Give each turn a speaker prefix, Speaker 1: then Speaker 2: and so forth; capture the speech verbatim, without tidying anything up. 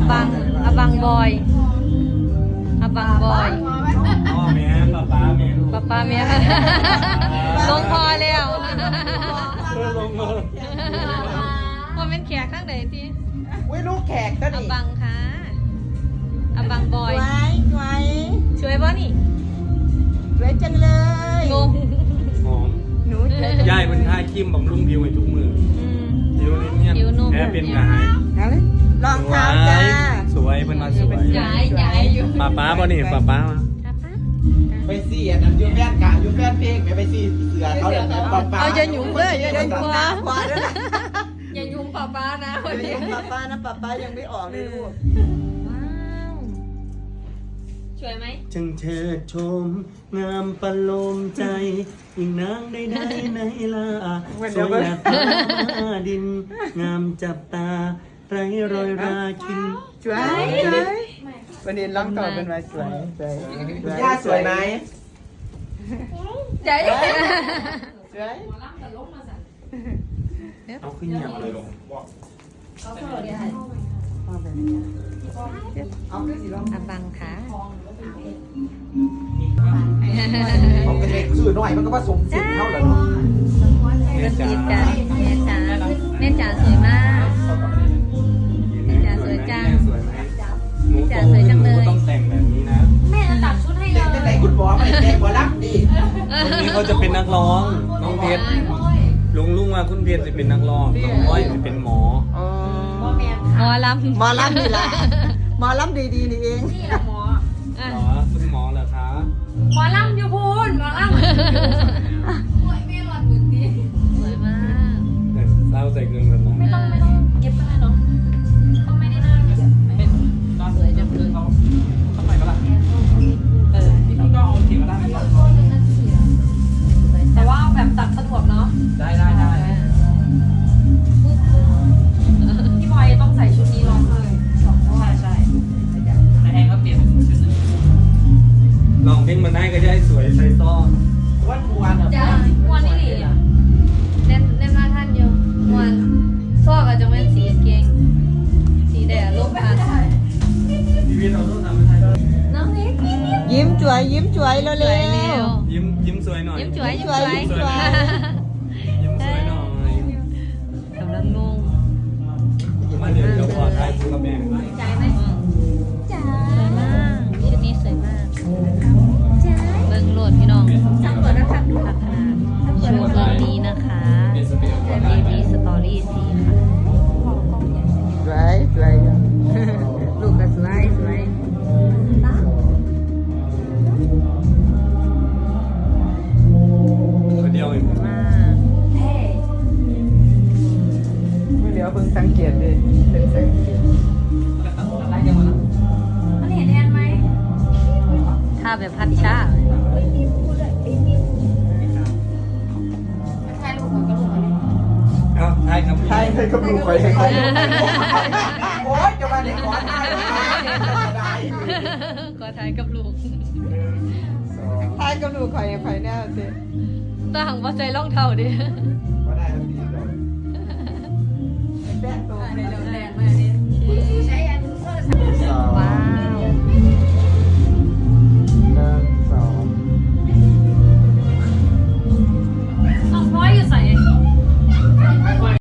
Speaker 1: บังอาบังบอยอาบังบอย
Speaker 2: พ่อแม่ป้าป้าแม่
Speaker 1: ป้าป้าแม่ลงพอแล้ว
Speaker 2: ลงมา
Speaker 1: ว่าเป็นแขกข้างไหนที
Speaker 3: อุ้ยลูกแขกก็
Speaker 1: อา
Speaker 3: ดี
Speaker 1: บังค่ะอาบังบอย
Speaker 3: ไว้ไว้
Speaker 1: ช่วยบ่นี่
Speaker 3: ไว้จังเลย
Speaker 1: งง
Speaker 2: หอม
Speaker 3: หนูจะ
Speaker 2: ย่ายเป็นท่าคิมบำรุงผิวให้ทุกมือ
Speaker 1: อืม
Speaker 2: ผิวนี่เนี่ย
Speaker 1: ผิวนุ่ม
Speaker 2: แพ้เป็นกระหาย
Speaker 3: เอาเลยรองเท้าจ้า
Speaker 2: สวยเป็นมาสวย
Speaker 1: ย้ายย้ายอยู่
Speaker 2: ป้าป้าบ่นี่ป้าป้ามา
Speaker 1: ป้าป้า
Speaker 4: ไปสี่อันนั้นยูแฟนกะยูแฟนเพลงไปไปสี่เสือเขาเลยนะป๊าป๊า
Speaker 1: เอาจะหยุ่งเลยอย่า
Speaker 3: เดิน
Speaker 1: หยุ่ง
Speaker 3: ข
Speaker 1: ป้าว
Speaker 3: าขวาด้วยนะ
Speaker 1: อย่าหยุ่งป้าป้านะวัน
Speaker 3: เดี๋
Speaker 1: นี้
Speaker 3: ยวป้าป้านะป้าป้ายังไม่ออกเลยลูก
Speaker 1: ว้าวสวยไหม
Speaker 2: จึงเชิดชม งามประโลมใจยิ่งนางได้ได้ในลาสวยแบบฟ้าดิน งามจับตา ไรรอยราคิน
Speaker 3: สวยสวยวันนี้ร้องต่อเป็นว่าสวยสวยสวย
Speaker 4: ย่าสวยไหม
Speaker 1: ใจ
Speaker 3: สวย
Speaker 2: เอาขึ้นเหยียบเลยลง
Speaker 3: เอาขึ้นสิร้อง
Speaker 1: อาบังค่ะ
Speaker 4: ผมเป็นเด็กสื่อหน่อยมันก็ผสมสิ่งเท่าแล้ว
Speaker 1: กระสีจ้าแม่จ๋าแม่จ๋าสวยมาก แม่จ๋าสวยจัง
Speaker 2: สวยไหม
Speaker 1: แม่จ๋าสวยจังเลย
Speaker 2: หนูต้องแต่งแบบนี้นะ
Speaker 1: แม่จะตัดชุดให้เล
Speaker 4: เด็ก
Speaker 1: ย
Speaker 4: แต่คุณหมอไม่เด็กกว่ารักดี
Speaker 2: คนนี้เขาจะเป็นนักร้องน้องเพชรลุงลุงว่าคุณเพชรจะเป็นนักร้องน้องอ้อยจะเป็นหมอ
Speaker 3: อ๋อ
Speaker 1: หมอลำ
Speaker 3: หมอลำนี่แหละหมอลำดีๆนี่เอง
Speaker 1: อ่ะ
Speaker 2: หมอคุณหมอเหรอคะ
Speaker 5: หมอลำอยู่พูนหมอลำ
Speaker 1: สวยมาก
Speaker 2: เนี่ยเล่าใส่เงินกันมา
Speaker 5: ไม่ต้องไม่ต้องเย็บก็ได้เนาะต้องไม่ได้หน้าเย็บ
Speaker 2: เป็นตอนเลยจะคือเขาทำไมก็ล่ะเออพี่ต้องเอาเขียนมาได้ไหมล่ะ
Speaker 5: แต่ว่าแบบตัดสะดวกเนาะ
Speaker 2: ได้ได้ได้
Speaker 5: พี่บอยต้องใส่ชุดนี้ร้องเลยสองใช่ใช่
Speaker 2: แต่แอนก็เปลี่ยนเป็นชุดหนึ่งลองเพลงมาได้ก็จะให้สวยใส่ซ้อ
Speaker 4: วันวันอ่ะ
Speaker 5: จ้าวันนี้หลี
Speaker 1: เล่นเล่นมาท่านอยู่มวนซอกอาจจะเป็นสีเกงสีแดดลบผ่าน
Speaker 2: ชีวิตเราต้องทำให้ได้
Speaker 1: น้องนิด
Speaker 3: ยิ้มสวยยิ้มสวยเร็ว
Speaker 1: สวยเร็ว
Speaker 2: ยิ้มยิ้มสวยหน่อย
Speaker 1: ยิ้มสวยยิ้มสวย
Speaker 2: ยิ้มสวยยิ้มสวยหน่อย
Speaker 1: กำลังงง
Speaker 2: มาเดี๋ยวเดี๋ยวพอท้ายคุณกับแม่
Speaker 1: ใจไหมจ้าสวยมากชุดนี้สวยมากจ้าเบิ้งโหลดพี่น้องจังเปิดนะคะพัฒนาโชว์ตัวนี้นะคะเบบี้สตอรี่สีค่ะ
Speaker 3: ๆสวยสวยลูกก็สวยสวย
Speaker 2: คนเดียวเอง
Speaker 1: มาก
Speaker 5: เท่
Speaker 3: ไม่เหลียวเพิ่งสังเกตเลยเป็นสังเกต
Speaker 2: อะไรกันวะ
Speaker 5: มันเห็นแอนไหม
Speaker 1: ถ้าแบบพัดชา
Speaker 5: ใช่ลูกเหมือนกับลูกเลย
Speaker 2: เอาท้ายครับ
Speaker 4: ใช่ให้กับลูกไปให้เขาโอ๊ยจะมาเด็กขอทายได้
Speaker 1: ก็ทายกับลูก
Speaker 3: ทายกับลูกข่อยข่อยแน่สิ
Speaker 1: ต่างว่าใจร่องเท่าดิ
Speaker 4: ก็ได้ทันทีเล